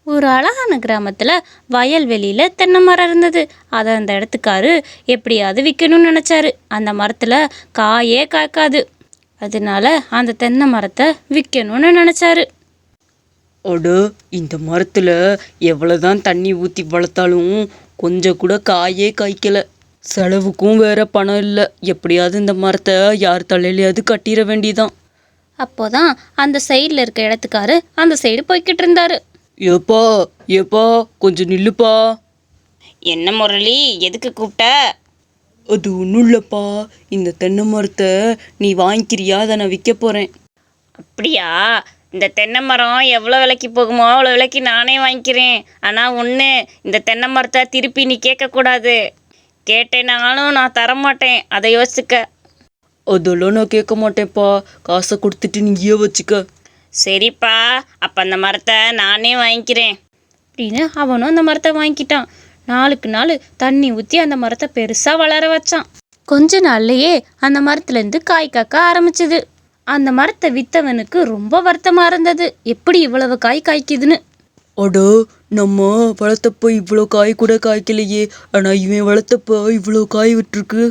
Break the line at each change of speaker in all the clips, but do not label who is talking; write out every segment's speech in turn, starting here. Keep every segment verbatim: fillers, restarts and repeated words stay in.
ஒரு அழகான கிராமத்தில் வயல்வெளியில் தென்னை மரம் இருந்தது. அதை அந்த இடத்துக்காரு எப்படியாவது விற்கணும்னு நினச்சாரு. அந்த மரத்தில் காயே காய்க்காது. அதனால அந்த தென்னை மரத்தை விற்கணும்னு நினச்சாரு.
அட, இந்த மரத்தில் எவ்வளோதான் தண்ணி ஊற்றி வளர்த்தாலும் கொஞ்சம் கூட காயே காய்க்கல. செலவுக்கும் வேற பணம் இல்லை. எப்படியாவது இந்த மரத்தை யார் தலையிலையாவது கட்டிட வேண்டியதான்.
அப்போதான் அந்த சைடில் இருக்க இடத்துக்காரு அந்த சைடு போய்கிட்டு இருந்தாரு.
ஏப்பா ஏப்பா கொஞ்சம் நில்லுப்பா.
என்ன முரளி, எதுக்கு கூப்பிட்ட?
அது ஒன்றும் இல்லைப்பா, இந்த தென்னை மரத்தை நீ வாங்கிக்கிறியா? அதை நான் விற்க போகிறேன்.
அப்படியா? இந்த தென்னை மரம் எவ்வளோ விலைக்கு போகுமோ அவ்வளோ விலைக்கு நானே வாங்கிக்கிறேன். ஆனால் ஒன்று, இந்த தென்னை மரத்தை திருப்பி நீ கேட்கக்கூடாது. கேட்டேனாலும் நான் தரமாட்டேன், அதை யோசிச்சுக்க.
அதெல்லாம் நான் கேட்க மாட்டேன்ப்பா. காசை கொடுத்துட்டு நீயே வச்சுக்க.
சரிப்பா, அப்போ அந்த மரத்தை நானே வாங்கிக்கிறேன்
அப்படின்னு அவனும் அந்த மரத்தை வாங்கிக்கிட்டான். நாளுக்கு நாள் தண்ணி ஊற்றி அந்த மரத்தை பெருசாக வளர வச்சான். கொஞ்ச நாள்லையே அந்த மரத்துலேருந்து காய் காக்க ஆரம்பிச்சது. அந்த மரத்தை விற்றவனுக்கு ரொம்ப வருத்தமாக இருந்தது, எப்படி இவ்வளவு காய் காய்க்குதுன்னு.
அடோ, நம்ம வளர்த்தப்போ இவ்வளோ காய் கூட காய்க்கலையே, ஆனால் இவன் வளர்த்தப்போ இவ்வளோ காய் விட்டுருக்கு.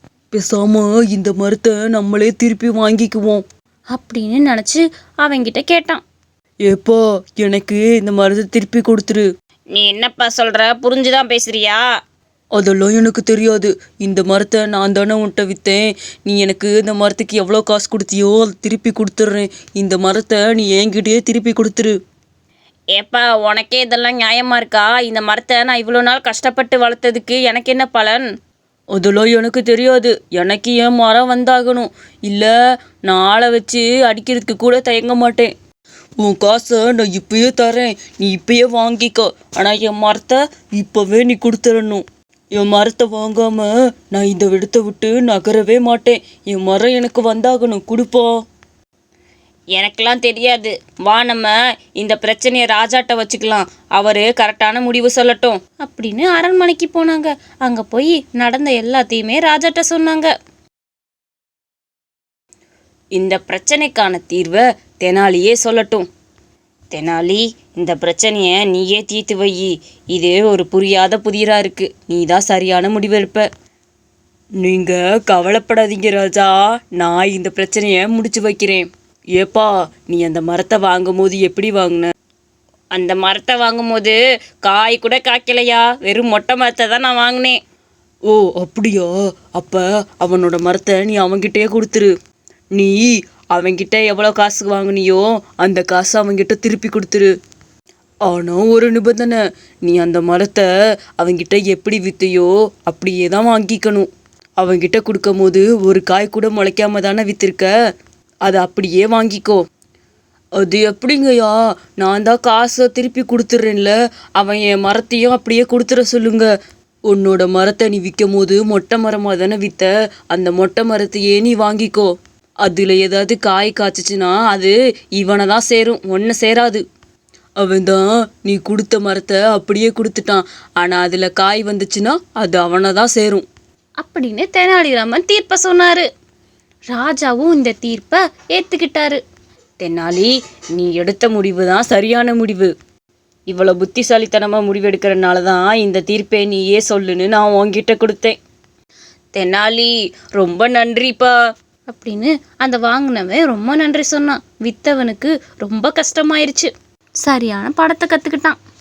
பேசாம இந்த மரத்தை நம்மளே திருப்பி வாங்கிக்குவோம்
அப்படின்னு நினச்சி அவங்கிட்ட கேட்டான்.
ஏப்பா, எனக்கு இந்த மரத்தை திருப்பி கொடுத்துரு.
நீ என்னப்பா சொல்கிற? புரிஞ்சுதான் பேசுறியா?
அதெல்லாம் எனக்கு தெரியாது. இந்த மரத்தை நான் தானே உன்கிட்ட விற்றேன். நீ எனக்கு இந்த மரத்துக்கு எவ்வளோ காசு கொடுத்தியோ அதை திருப்பி கொடுத்துட்றேன். இந்த மரத்தை நீ என்கிட்டயே திருப்பி கொடுத்துரு.
ஏப்பா, உனக்கே இதெல்லாம் நியாயமாக இருக்கா? இந்த மரத்தை நான் இவ்வளோ நாள் கஷ்டப்பட்டு வளர்த்ததுக்கு எனக்கு என்ன பலன்?
அதெல்லாம் எனக்கு தெரியாது. எனக்கு என் மரம் வந்தாகணும். இல்லை, நான் ஆளை வச்சு அடிக்கிறதுக்கு கூட தயங்க மாட்டேன். உன் காசை நான் இப்பயே தரேன், நீ இப்பயே வாங்கிக்கோ. ஆனால் என் மரத்தை இப்போவே நீ கொடுத்துடணும். என் மரத்தை வாங்காமல் நான் இந்த இடத்த விட்டு நகரவே மாட்டேன். என் மரம் எனக்கு வந்தாகணும், கொடுப்பா.
எனக்கெல்லாம் தெரியாது. வா, நம்ம இந்த பிரச்சனையை ராஜாட்ட வச்சுக்கலாம். அவர் கரெக்டான முடிவு சொல்லட்டும்
அப்படின்னு அரண்மனைக்கு போனாங்க. அங்கே போய் நடந்த எல்லாத்தையுமே ராஜாட்ட சொன்னாங்க.
இந்த பிரச்சனைக்கான தீர்வை தெனாலியே சொல்லட்டும். தெனாலி, இந்த பிரச்சனையை நீயே தீர்த்து வை. இது ஒரு புரியாத புதிராக இருக்கு. நீ தான் சரியான முடிவெடுப்ப.
நீங்கள் கவலைப்படாதீங்க ராஜா, நான் இந்த பிரச்சனையை முடிச்சு வைக்கிறேன். ஏப்பா, நீ அந்த மரத்தை வாங்கும் போது எப்படி வாங்கின?
அந்த மரத்தை வாங்கும் போது காய் கூட காய்க்கலையா, வெறும் மொட்டை மரத்தை தான் நான் வாங்கினேன்.
ஓ அப்படியா? அப்போ அவனோட மரத்தை நீ அவன்கிட்டயே கொடுத்துரு. நீ அவன்கிட்ட எவ்வளோ காசு வாங்கினியோ அந்த காசை அவன்கிட்ட திருப்பி கொடுத்துரு. ஆனால் ஒரு நிபந்தனை, நீ அந்த மரத்தை அவன்கிட்ட எப்படி விற்றையோ அப்படியே தான் வாங்கிக்கணும். அவன்கிட்ட கொடுக்கும் போது ஒரு காய் கூட முளைக்காம தானே விற்றுருக்க, அதை அப்படியே வாங்கிக்கோ. அது எப்படிங்கய்யா? நான் தான் காசை திருப்பி கொடுத்துட்றேன்ல, அவன் என் மரத்தையும் அப்படியே கொடுத்துட சொல்லுங்க. உன்னோட மரத்தை நீ விற்கும் போது மொட்டை மரமாக தானே விற்ற, அந்த மொட்டை மரத்தையே நீ வாங்கிக்கோ. அதில் ஏதாவது காய் காய்ச்சிச்சின்னா அது இவனை தான் சேரும், ஒன்றை சேராது. அவன் தான் நீ கொடுத்த மரத்தை அப்படியே கொடுத்துட்டான், ஆனால் அதில் காய் வந்துச்சுன்னா அது அவனை தான் சேரும்
அப்படின்னு தெனாலிராமன் தீர்ப்பை சொன்னார். ராஜாவும் இந்த தீர்ப்பை ஏற்றுக்கிட்டாரு.
தெனாலி, நீ எடுத்த முடிவு தான் சரியான முடிவு. இவ்வளோ புத்திசாலித்தனமாக முடிவெடுக்கிறனால தான் இந்த தீர்ப்பை நீயே சொல்லுன்னு நான் உன்கிட்ட கொடுத்தேன். தெனாலி, ரொம்ப நன்றிப்பா
அப்படின்னு அந்த வாங்கினவன் ரொம்ப நன்றி சொன்னான். வித்தவனுக்கு ரொம்ப கஷ்டமாயிருச்சு. சரியான படத்தை கற்றுக்கிட்டான்.